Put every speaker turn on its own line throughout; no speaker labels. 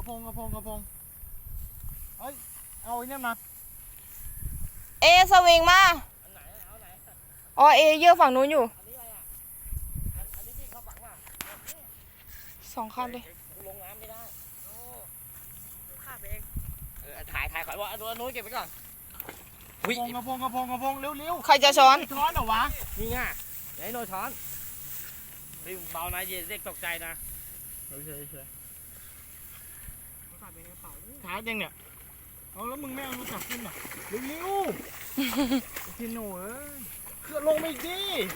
ระพงเฮ้ยเอาไอ้นี่มา
เอสวิงมาอ๋อเอเยอะฝั่งนู้นอยู่สองคันเลย
ลงน้ำไม่ได้ข้าเองถ่ายขอยว่าอันนู้นเก็บไว้ก่อน
กระพงเร็ว
ใครจะช้อน
เหรอวะ
นี่ไงอย่าให้โนช้อนเบานะเด็กตกใจนะ
เฉยถ่ายยังเนี่ยเอาแล้วมึงไม่เอารู้จักขึ้นหรอเร็วพี่หนูเคลื่อนลงไม่ดี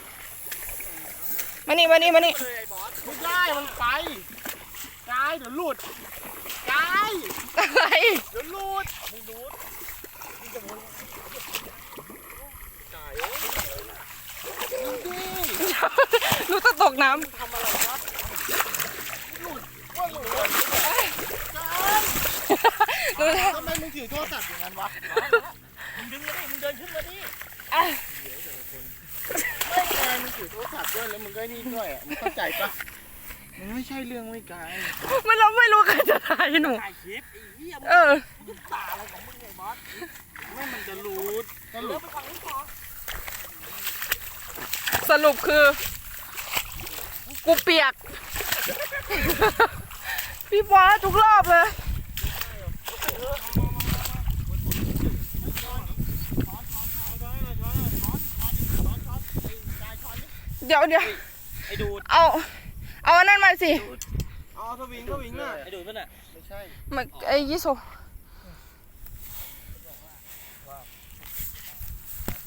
มานี่
ไม่ได้มันไปกายเดี๋ยวหลุดกาย
อะไร
เดี๋ยวหลุดไม่หลุดกาย
รู้จะตกน้
ำทำอะไรครับหลุดทำไมมึงถือโทรศัพท์อย่างนั้นวะมึงดึงมาดิมึงเดินขึ้นมาดิไม่แกมึงถือโทรศัพท์ด้วยแล้วมึงก็นี่ด้วยอ่ะมึงเข้าใจปะมันไม่ใช่เรื่องไม่ไกล
เราไม่รู้ใครจะถ่ายหนู
ถ่ายคลิป
มึงตาอะไรของมึงไงบอสไม่มันจะรูด
สรุปคือกูเปียกพี่บอสทุกรอบเลยเดี๋ยว
ไอ้ดูด
เอาอันนั้นมาสิ
เอาสวิงน่ะ
ไอ้ดูดป่ะน่ะ
ไม่ใช่
ไอ้ยี่โซ